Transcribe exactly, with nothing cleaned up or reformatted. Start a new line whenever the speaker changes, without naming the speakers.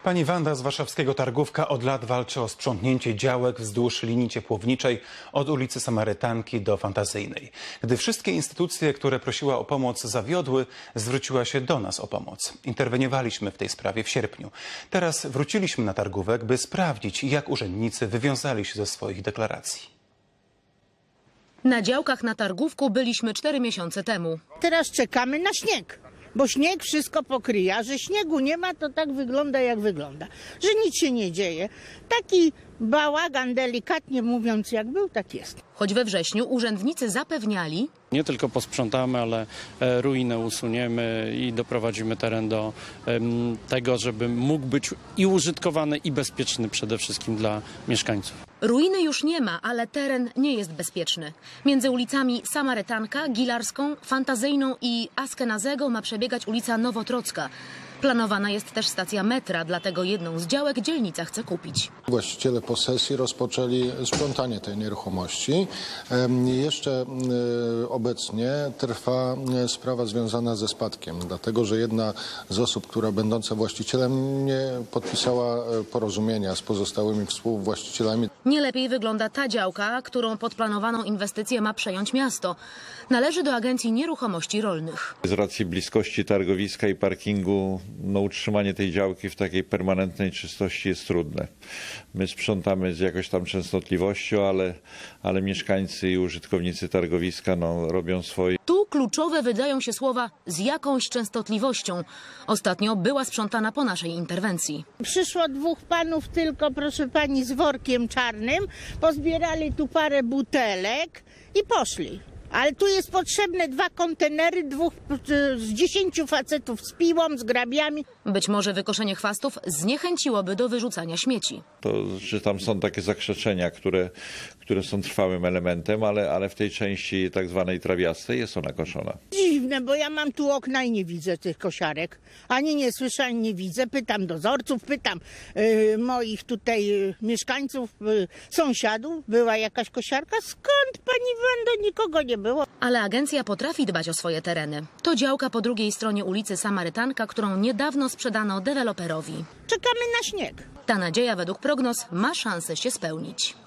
Pani Wanda z warszawskiego Targówka od lat walczy o sprzątnięcie działek wzdłuż linii ciepłowniczej od ulicy Samarytanki do Fantazyjnej. Gdy wszystkie instytucje, które prosiła o pomoc, zawiodły, zwróciła się do nas o pomoc. Interweniowaliśmy w tej sprawie w sierpniu. Teraz wróciliśmy na Targówek, by sprawdzić, jak urzędnicy wywiązali się ze swoich deklaracji.
Na działkach na Targówku byliśmy cztery miesiące temu.
Teraz czekamy na śnieg, bo śnieg wszystko pokryje, a że śniegu nie ma, to tak wygląda, jak wygląda, że nic się nie dzieje. Taki bałagan, delikatnie mówiąc, jak był, tak jest.
Choć we wrześniu urzędnicy zapewniali,
nie tylko posprzątamy, ale ruinę usuniemy i doprowadzimy teren do um, tego, żeby mógł być i użytkowany, i bezpieczny przede wszystkim dla mieszkańców.
ruiny już nie ma, ale teren nie jest bezpieczny. Między ulicami Samarytanka, Gilarską, Fantazyjną i Askenazego ma przebiegać ulica Nowotrocka. Planowana jest też stacja metra, dlatego jedną z działek dzielnica chce kupić.
Właściciele posesji rozpoczęli sprzątanie tej nieruchomości. Jeszcze obecnie trwa sprawa związana ze spadkiem, dlatego że jedna z osób, która będąca właścicielem, nie podpisała porozumienia z pozostałymi współwłaścicielami.
Nie lepiej wygląda ta działka, którą pod planowaną inwestycję ma przejąć miasto. Należy do Agencji Nieruchomości Rolnych.
Z racji bliskości targowiska i parkingu, no, utrzymanie tej działki w takiej permanentnej czystości jest trudne. My sprzątamy z jakąś tam częstotliwością, ale, ale mieszkańcy i użytkownicy targowiska no, robią swoje.
Tu kluczowe wydają się słowa z jakąś częstotliwością. Ostatnio była sprzątana po naszej interwencji.
Przyszło dwóch panów tylko, proszę pani, z workiem czarnym, pozbierali tu parę butelek i poszli. Ale tu jest potrzebne dwa kontenery, dwóch z dziesięciu facetów z piłą, z grabiami.
Być może wykoszenie chwastów zniechęciłoby do wyrzucania śmieci.
To, że tam są takie zakrzeczenia, które, które są trwałym elementem, ale, ale w tej części tak zwanej trawiastej jest ona koszona.
Dziwne, bo ja mam tu okna i nie widzę tych kosiarek. Ani nie słyszę, ani nie widzę. Pytam dozorców, pytam yy, moich tutaj yy, mieszkańców, yy, sąsiadów. Była jakaś kosiarka? Skąd, pani Wanda? Nikogo nie było.
Ale agencja potrafi dbać o swoje tereny. To działka po drugiej stronie ulicy Samarytanka, którą niedawno sprzedano deweloperowi.
Czekamy na śnieg.
Ta nadzieja według prognoz ma szansę się spełnić.